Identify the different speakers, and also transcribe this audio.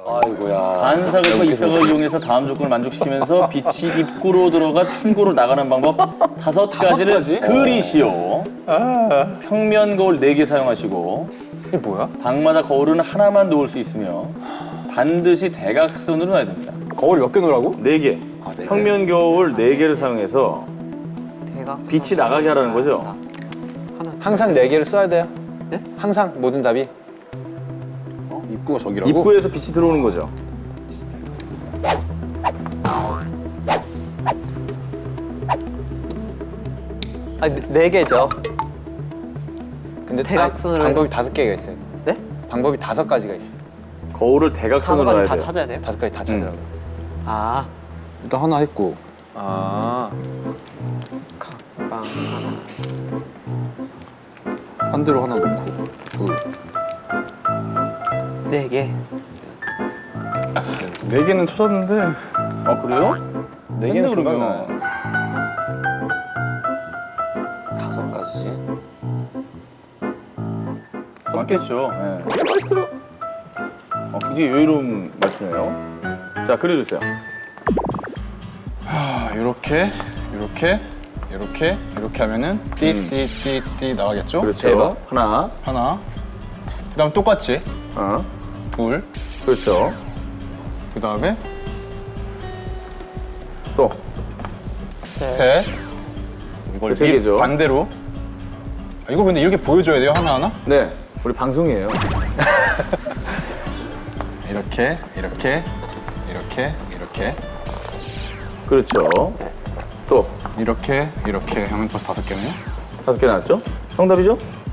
Speaker 1: 아이고야.
Speaker 2: 반사각과 입사각을 이용해서 다음 조건을 만족시키면서 빛이 입구로 들어가 출구로 나가는 방법 5가지를 그리시오. 평면 거울 4개 사용하시고
Speaker 1: 이게 뭐야?
Speaker 2: 방마다 거울은 하나만 놓을 수 있으며 반드시 대각선으로 놔야 됩니다.
Speaker 1: 거울 몇 개 놓으라고?
Speaker 2: 4개.
Speaker 1: 네 개.
Speaker 2: 평면 거울 4개를 사용해서 빛이 나가게 하라는 거죠.
Speaker 1: 항상 4개를 써야 돼요? 네? 항상 모든 답이? 입구가 저기라고?
Speaker 2: 입구에서 빛이 들어오는 거죠.
Speaker 3: 아, 4개죠.
Speaker 1: 근데
Speaker 3: 대각선으로
Speaker 1: 방법이 5개가 있어요.
Speaker 3: 네?
Speaker 1: 방법이 5가지가 있어요.
Speaker 2: 거울을 대각선으로
Speaker 3: 5가지
Speaker 2: 놔야
Speaker 3: 다
Speaker 2: 돼요.
Speaker 3: 찾아야 돼요?
Speaker 1: 5가지 다 찾으라고.
Speaker 3: 아,
Speaker 1: 일단 하나 했고. 아.
Speaker 3: 빵 하나.
Speaker 1: 반대로 하나 놓고. 둘.
Speaker 3: 4개.
Speaker 1: 4개는 찾았는데.
Speaker 2: 아 그래요?
Speaker 1: 4개는
Speaker 2: 그러면
Speaker 4: 5가지지?
Speaker 2: 맞겠죠. 네.
Speaker 1: 맛있어요.
Speaker 2: 굉장히 여유로운 말투네요. 자 그려주세요.
Speaker 1: 이렇게, 이렇게, 이렇게, 이렇게 하면은 띠 나가겠죠?
Speaker 2: 그렇죠.
Speaker 1: 대박.
Speaker 2: 하나.
Speaker 1: 그다음 똑같이 둘.
Speaker 2: 그렇죠.
Speaker 1: 그다음에
Speaker 2: 또.
Speaker 1: 셋. 이걸
Speaker 2: 세 개죠.
Speaker 1: 반대로. 이거 근데 이렇게 보여줘야 돼요 하나하나?
Speaker 2: 네. 우리 방송이에요.
Speaker 1: 이렇게, 이렇게, 이렇게, 이렇게,
Speaker 2: 그렇죠. 또.
Speaker 1: 이렇게, 이렇게 하면 벌써 5개네요.
Speaker 2: 5개 나왔죠? 정답이죠?